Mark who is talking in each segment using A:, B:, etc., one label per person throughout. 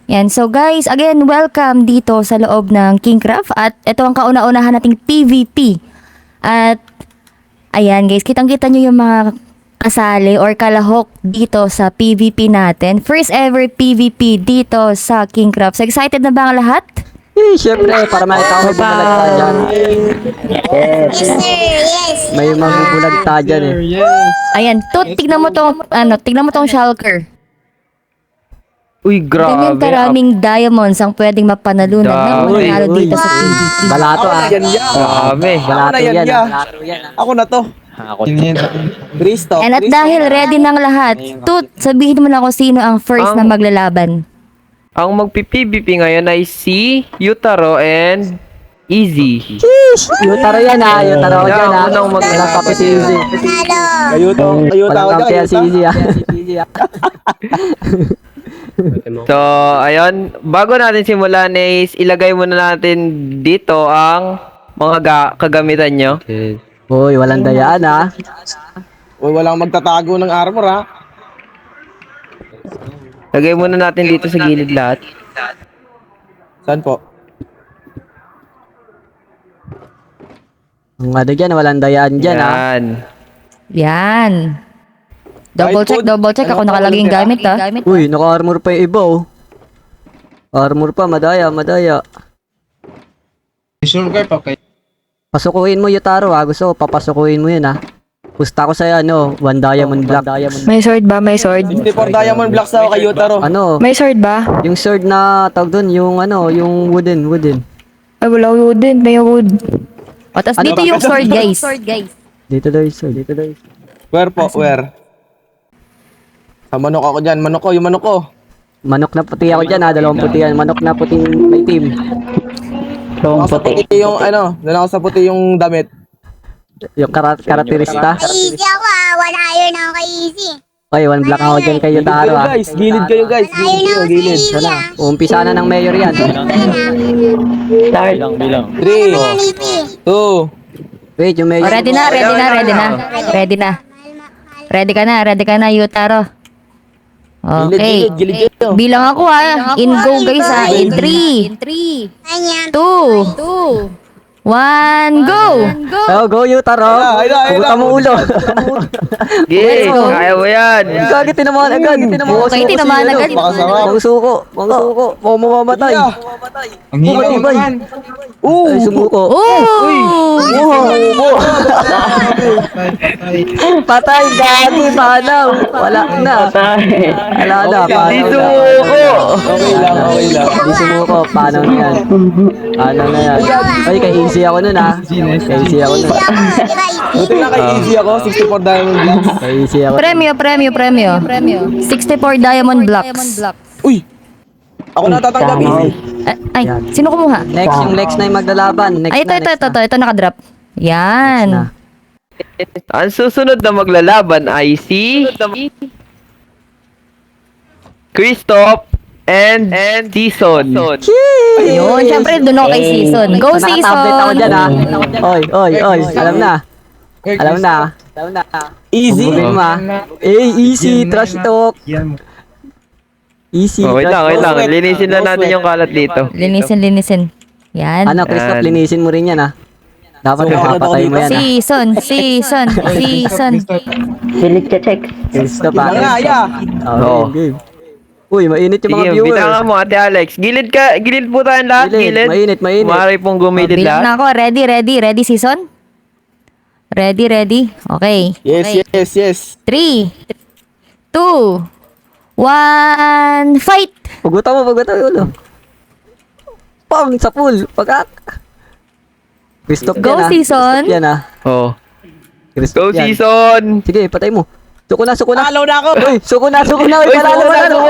A: Yan. So guys, again, welcome dito sa loob ng Kingcraft. At ito ang kauna-unahan nating PvP. At ayan guys, kitang-kita nyo yung mga kasali or kalahok dito sa PvP natin. First ever PvP dito sa Kingcraft. So excited na ba ang lahat?
B: Siyempre, para makita ko magbubulag dyan.
C: Yes.
B: May magbubulag dyan eh.
A: Ayan, tignan mo tong shulker.
D: Uy,
A: Ganyan
D: grabe.
A: karaming diamonds ang pwedeng mapanalunan ng
D: Dami.
A: mananalo dito sa PvP.
B: Balato ah.
D: Grabe.
B: Balato yan ah.
E: Ako na to. Kristo.
A: And at dahil ready ng lahat, sabihin mo na kung sino ang first na maglalaban.
D: Ang magpi-PVP ngayon ay si Yutaro and Easy.
B: Yutaro yan ah. Yutaro dyan ah.
D: Unang mag-
B: Walang kape si Easy.
E: Ayuto ako
B: Walang kape
E: dyan.
B: si Easy ah.
D: So, ayun. Bago natin simulan is ilagay muna natin dito ang mga kagamitan nyo.
B: Uy, walang dayaan ah.
E: Uy, walang magtatago ng armor ha.
D: Lagay muna natin dito sa gilid lahat.
E: Saan po?
B: Ang ano dyan, walang dayaan dyan ah.
D: Yan.
A: Yan. Double check. Ako nakalagay yung gamit ha.
B: Uy, naka-armor pa yung iba oh. Armor pa, madaya. Pasukuin mo Yutaro ah. Gusto ko, papasukuin mo yun ah. Gusto ko sa'yo ano, one diamond block.
C: May sword ba? May sword?
E: 54 diamond blocks ako kay Yutaro.
B: Ano,
C: May sword ba?
B: yung sword na tawag doon, yung ano, yung wooden.
C: Ay, wala wood din. May wood.
A: O, tas
B: Ano
A: dito
B: ba?
A: yung sword guys.
B: Dito daw yung sword.
E: Where po? Where? Sa manok ako dyan. Manok ko, yung manok ko.
B: Manok na puti ako dyan ha, dalawang puti yan. Manok na puting may team.
E: Nasa puti yung ano, nasa puti yung damit.
B: Yung karakterista.
F: Easy ako ah. Wala iron ako kay Easy.
B: Oy, one block ako dyan kay Yutaro ha.
E: Gilid kayo guys.
F: Wala iron ako sa
E: Gilid.
F: Easy ah.
B: Umpisa na ng mayor yan.
E: 3,
F: Lipi.
E: 2,
B: Wait, yung
A: O,
B: mayor.
A: ready na. Ready ka na, Yutaro. Okay.
E: gilid kayo.
A: Bilang ako ha. In go guys ha. In 3,
F: Kanya.
A: 2, 1, go!
B: Oh, go Yutaro.
E: Ayun
B: Pugutan mo ulo.
D: Yay! Kaya mo yan!
B: Gagi, tinamaan agad.
A: Okay, tinamaan agad.
B: Pang suko. Mukhang mamamatay.
E: Ang hirap.
B: Ay, sumuko.
A: Oh!
B: Patay, gagi, panaw. Wala na. Wala na, panaw
D: Dito
B: na.
D: ko!
E: Okay lang.
B: Di sumuko, panaw na yan. Ay, kay easy ako nun ha. Kay easy ako nun.
F: Easy ako. Di ba easy?
E: Buti na kay Easy ako. 64 diamond blocks.
B: Kay easy ako.
A: Premyo. 64 diamond blocks.
E: Uy! Ako natatanggap Easy.
A: Ay, sino kumuha?
B: Next, yung Lex na yung maglalaban. Next
A: Ay,
B: na.
A: ito nakadrop. Yan.
D: Ang susunod na maglalaban ay si Christoph and Season.
A: Yun, syempre doon ako kay Season. Go
B: Nakatablet ako dyan ha.
A: Season!
B: Oy. Alam na.
E: Easy?
B: Bubulin mo ha. Easy, trash talk. Easy,
D: Oh, wait
B: trash
D: lang.
B: talk.
D: Linisin na natin yung kalat dito.
A: Linisin. Yan.
B: Ano, Christoph,
D: Yan.
B: linisin mo rin yan ha. Dapat
E: So,
B: mapapatay mo yan ha.
A: Season.
B: Christoph ha.
E: Nga, yeah.
D: Oo.
B: Okay, game. Uy, mainit yung mga
D: Sige,
B: viewers.
D: bilangan mo, Ate Alex. Gilid po tayo lahat.
B: Gilid, mainit.
D: Maaari pong gumilid
A: Bilang na
D: lahat.
A: ako. Ready, Season? Ready. Okay.
E: Yes.
A: 3, 2, 1, fight!
B: Pugutan mo yung ulo. Pang, sa pool. Pagak. Christoph
A: Go,
B: yan ha.
A: Season.
B: Christoph yan ha.
D: Oh.
B: Christoph
D: Go,
B: yan.
D: Season!
B: Sige, patay mo. Suko na.
E: Talo na ako.
B: Uy, suko na. Uy, panalo.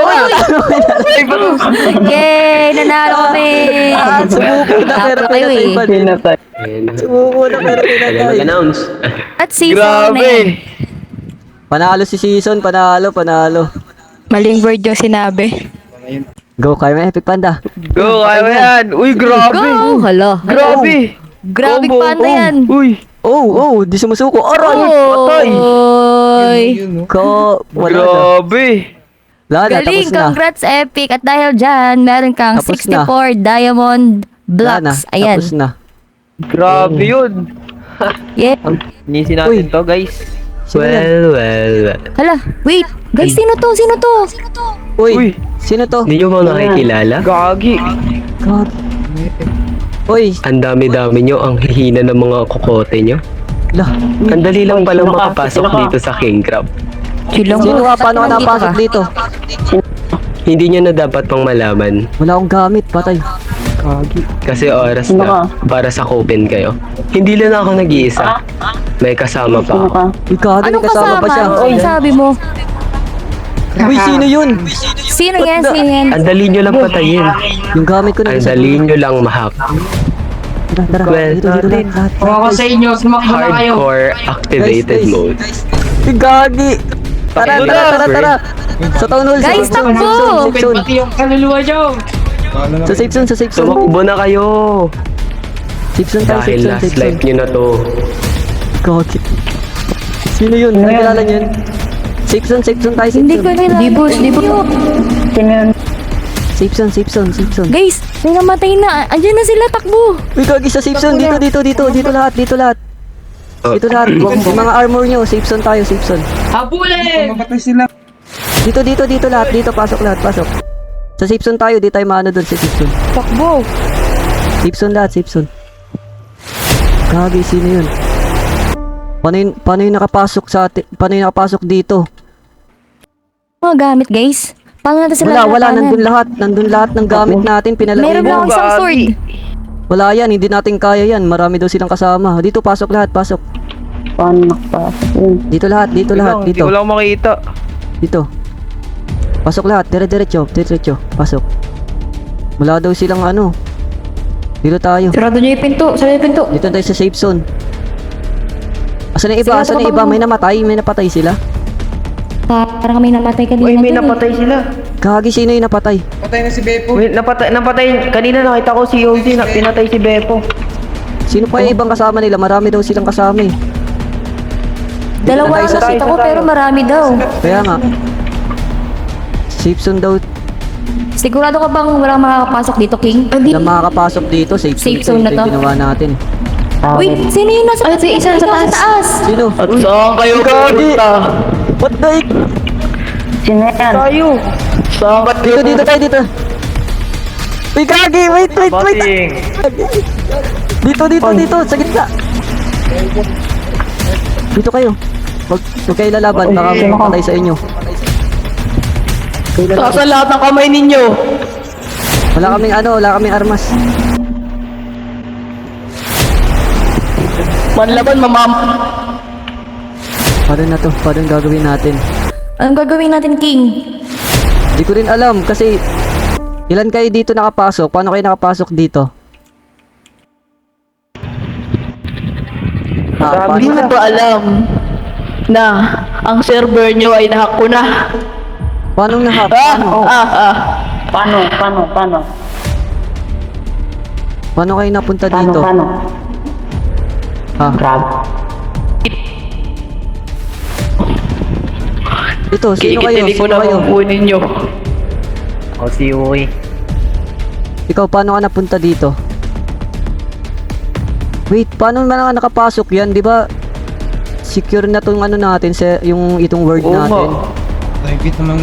A: Yay! Nanalo kami!
B: Sumuko na pero
A: Kayo eh.
B: pinatay. Sumuko na pero pinatay.
A: At Season
D: Grabe!
B: Panalo si Season, panalo.
C: Maling word yung sinabi.
B: Go, kaya may epic panda.
D: Go, kaya mo yan! Uy, grabe!
A: Go! Hala.
D: Grabe!
A: Grabe
D: Combo.
A: panda yan.
D: Uy!
B: Di sumusuko. Aray!
A: Oy!
B: Ko, wala na.
D: Grabe!
B: Wala na,
A: Galing,
B: tapos na.
A: congrats Epic. At dahil dyan, meron kang
B: Tapos
A: 64 diamond
B: Wala na,
A: blocks. Ayan.
B: tapos na.
D: Grabe yun.
A: Yeah.
D: Nisi
B: Uy.
D: natin to, guys.
B: Sino yan?
G: Well.
A: Hala, wait. Guys, sino to? Sino to?
B: Uy, sino to?
G: Hindi nyo ba nakikilala?
D: Gagi.
B: God. Uy,
G: Ang dami-dami nyo, ang hihina ng mga kokote nyo.
B: lah.
G: Ang dali lang palang makapasok dito sa King Crab.
A: Chilong
B: Sino ka? Paano ka
A: Nandito
B: napasok dito?
G: Hindi nyo na dapat pang malaman
B: Wala akong gamit, patay.
G: kasi oras na para sakupin kayo. Hindi lang ako nag-iisa. May kasama pa ako.
B: Uy, kagad,
A: Anong
B: kasama pa siya.
A: kasama? Uy, sabi mo.
B: Uy, sino yun?
A: Sino yan? Sino yan?
G: Ang dali nyo lang patayin.
B: Yung gamit ko na
G: Ang
B: isa.
G: dali nyo lang mahack.
B: Tara,
G: Well,
B: dito, lahat.
H: Ako sa inyo, sumakbo na kayo.
G: Hardcore activated
B: Guys.
G: mode.
B: Uy, gagi. Tara,
G: Pakita
B: tara,
G: na,
B: tara,
G: Fred.
B: tara. Sa town hall,
A: Guys,
B: sa safe zone,
A: takbo!
B: safe zone,
H: Pati yung kaluluwa nyo.
B: sa safe zone, sa safe zone.
G: Tumakbo na kayo.
B: Safe zone tayo,
G: Dahil
B: safe zone,
G: last
B: safe zone.
G: life nyo na to.
B: Gagi. Sino yun? Nakilala niyo yun? Safe zone tayo, safe
A: Hindi ko
B: zone.
A: nila. Dibos.
B: Safe zone, safe zone, safe zone.
A: Guys, may namatay na. Andiyan na sila, takbo.
B: Uy, gagi sa safe zone. Dito lahat, dito lahat.
G: Oh.
B: Dito lahat. Yung mga armor nyo, safe zone tayo, safe zone.
H: Habulin!
B: Dito lahat, dito, pasok lahat, pasok. Sa safe zone tayo, di tayo maano doon sa safe zone.
A: Takbo.
B: Safe zone lahat, safe zone. Gagi, sino yun? Paano yung nakapasok sa atin? Paano yung nakapasok dito?
A: Mga gamit, guys. Paano natin sila
B: Wala,
A: lalabanan?
B: nandun lahat ng gamit natin, pinalagay
A: Meron lang
B: mo.
A: akong isang sword.
B: Wala yan, hindi natin kaya yan. Marami daw silang kasama. Dito, pasok lahat, pasok. Dito lahat,
D: Hindi
B: dito.
D: ko lang makita.
B: Dito. Pasok lahat, diretso, pasok. Wala daw silang ano. Dito tayo.
C: Sarado niyo yung pinto. Sarado yung pinto.
B: Dito tayo sa safe zone. Asan na iba? Asan na iba? May napatay sila.
A: Parang may namatay kanina.
D: Uy, may
A: dun eh.
D: napatay sila.
B: Gagi, sino yung napatay?
D: Wait, napatay. Kanina nakita ko si OG na pinatay si Beppo.
B: Sino pa yung ibang kasama nila? Marami daw silang kasama eh.
A: Dalawa
B: Tayo
A: ang
B: sa
A: nakita ko pero marami daw.
B: Kaya nga. Safe zone daw.
A: Sigurado ka bang walang makakapasok dito, King?
B: Na makakapasok dito. Safe
A: Safe
B: zone
A: zone na
B: ito
A: to.
B: yung ginawa natin.
A: Wait, sino yung nasa taas? Isa sa taas.
B: Sino?
D: At saan kayo pupunta?
B: What the heck?
D: Tayo. Saan ka
B: Dito tayo. Uy, Gagi! Wait!
D: Bating.
B: Dito, sa gitna. Dito kayo. Huwag kayo lalaban, baka patay sa inyo.
D: Sa lahat ng kamay ninyo.
B: Wala kaming armas.
D: Manlaban, mamam.
B: Paano na to? Paano yung gagawin natin?
A: Anong gagawin natin, King?
B: Hindi ko rin alam kasi ilan kayo dito nakapasok? Paano kayo nakapasok dito?
I: Hindi mo ba alam na ang server nyo ay nahack ko na?
B: Paano nahap? Paano? Paano kayo napunta dito? Ha? Ito, sino kayo?
I: Kikitili ko
B: Sino
I: na
B: kayo?
I: kukunin nyo.
D: O si Uy.
B: Ikaw, paano ka napunta dito? Wait, paano man ka nakapasok yan? Di ba secure na tong ano natin, yung itong word
D: Oo
B: natin?
D: nga.
J: Private naman.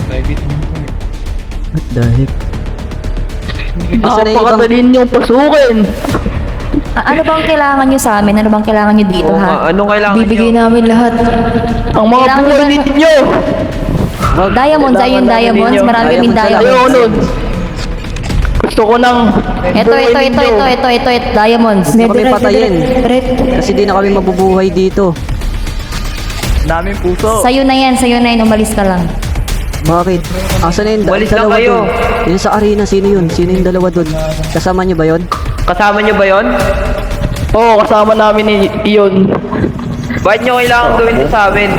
B: What the heck? Basta na yung ibang...
I: Napakadalin nyo pasukin.
A: Ano bang kailangan nyo sa amin? Ano bang kailangan nyo dito,
D: Oo nga,
A: ha?
D: anong kailangan
C: Bibigay
D: nyo?
C: namin lahat.
I: Ang mga
A: Kailangan
I: buhay
A: ba-
I: ninyo.
A: Diamonds, ayun, diamonds. Marami kaming
B: Diamonds,
I: Ayaw
A: diamonds.
I: nun. Gusto ko ng
A: Ito, diamonds.
B: Gusto kami patayin. Kasi di na kami mabubuhay dito.
D: Daming puso.
A: Sa'yo na yan, umalis ka lang.
B: Bakit? Asa na yung
D: Walis lang
B: dalawa
D: kayo.
B: doon? Yun sa arena, sino yun? Sino yung dalawa doon? Kasama nyo ba yun?
D: Kasama nyo ba yon?
I: Oo, kasama namin iyon.
D: Bakit nyo kailangan gawin ito sa amin?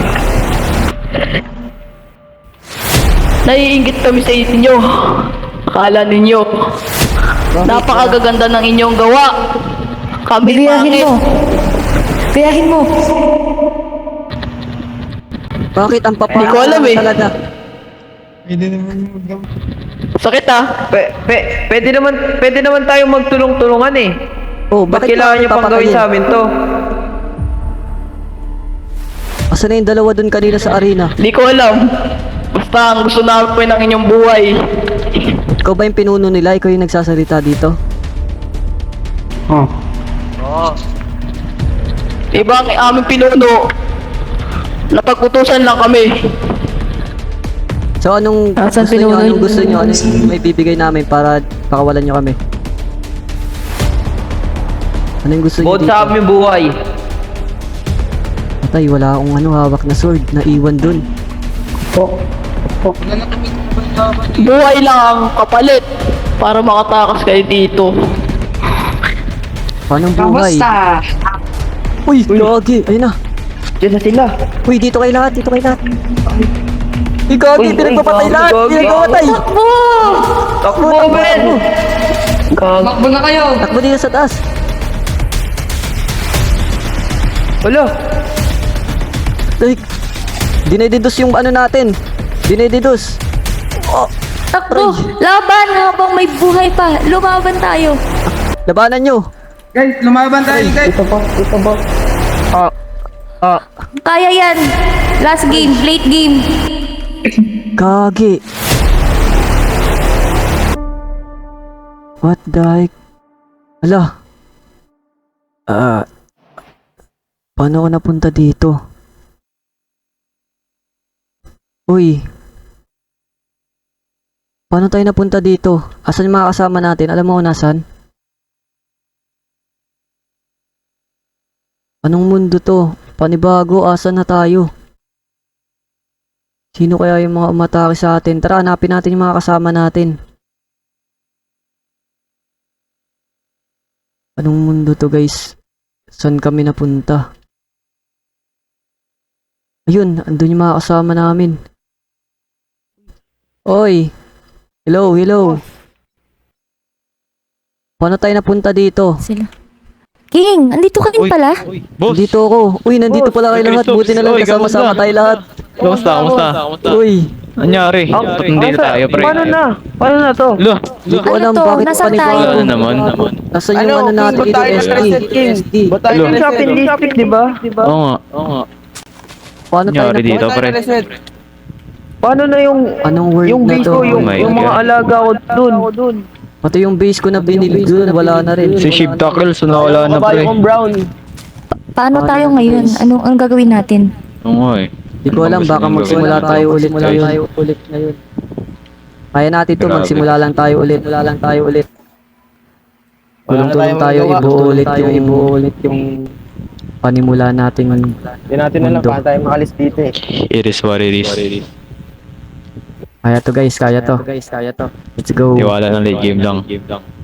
I: Naiingit kami sa inyo. Akala ninyo. Napakagaganda ng inyong gawa. Kami
C: Biyahin mo. Biyahin mo.
B: Bakit ang
I: Hindi ko alam eh.
B: talaga?
I: Sakit ah.
D: Pwede naman tayo magtulong-tulungan eh.
B: Oh,
D: Ba't
B: bakit
D: kailangan
B: mo
D: nyo pang gawin
B: papatayin?
D: sa amin to?
B: Asa na yung dalawa dun kanina sa arena?
I: Di ko alam. Basta ang gusto namin ng inyong buhay.
B: Ikaw ba yung pinuno nila? Ikaw yung nagsasalita dito?
I: Iba ang aming pinuno. Napag-utusan lang kami.
B: So anong
C: Asan
B: gusto nyo?
C: pinuno
B: Anong
C: yun?
B: gusto nyo? Ano yung may bibigay namin para pakawalan nyo kami? Ano yung gusto nyo
D: Bukod
B: dito?
D: sa aming buhay.
B: Patay, wala akong hawak na sword na iwan dun.
I: Buhay lang ang kapalit para makatakas kayo dito.
B: Paano buhay?
H: Kamusta?
B: Uy, gagi! Ayun na!
D: Diyan na sila.
B: Uy, dito kayo lahat! Dito kayo lahat! Uy, gagi! Pinagpapatay lahat! Pinagpapatay!
D: Takbo, Ben!
H: Makbo na kayo.
B: Takbo dito sa taas!
D: Wala.
B: Ay, dinedidos yung ano natin! Dinedidos! Oh!
A: Takbo! Laban habang may buhay pa! Lumaban tayo!
B: Labanan nyo!
E: Guys, lumaban tayo guys.
A: Kaya yan! Last game, late game!
B: Gagi! What the heck? Ala! Paano ako napunta dito? Uy! Paano tayo napunta dito? Asan yung mga kasama natin? Alam mo kung nasan? Anong mundo to? Panibago, asan na tayo? Sino kaya yung mga umatake sa atin? Tara, hanapin natin yung mga kasama natin. Anong mundo to, guys? Saan kami napunta? Ayun, andun yung mga kasama namin. Oy! Hello, hello! Paano tayo napunta dito?
A: Sila. King, andito ka rin pala?
B: Nandito ako. Uy, nandito pala kayo lahat. Buti na lang kasama-sama tayo lahat.
J: Kamusta?
B: Uy,
J: Anyari? Hindi tayo, pre.
D: Paano na? Paano na to?
J: Lo,
B: hindi ko
A: Ano
B: alam
A: to?
B: bakit
A: Nasaan
B: panibago.
A: tayo?
J: naman.
B: Nasaan yung ano natin
E: King,
B: dito?
E: tayo
B: SD.
E: reset, King.
B: SD.
E: Ba't tayo
J: Hello.
E: reset?
D: Shopping district, di ba?
J: Oo nga.
B: Paano tayo
J: Anyari
B: na
J: dito,
E: Ba't tayo
J: pre.
E: reset?
D: Paano na yung
B: Anong word
D: yung
B: na
D: base
B: to?
D: ko, yung,
J: Oh my
D: yung mga
J: God.
D: alaga ko dun?
B: Pati yung base ko na binili doon, wala na rin.
J: Si Ship Tackles, nawala na, pre.
E: Kabayo kong brown.
A: Paano tayo ngayon? Anong gagawin natin?
J: Oo nga eh.
B: Hindi ko alam, baka magsimula tayo ulit ngayon. Kaya natin to,
J: Grabe.
B: magsimula lang tayo ulit. Tulong-tulong tayo, ibuo ulit yung panimula nating
E: Hindi natin alam
B: mundo.
E: paano tayo makalis dito eh.
J: It is what it is.
B: Kaya to guys, kaya to. Let's go.
J: Tiwala ng late game lang.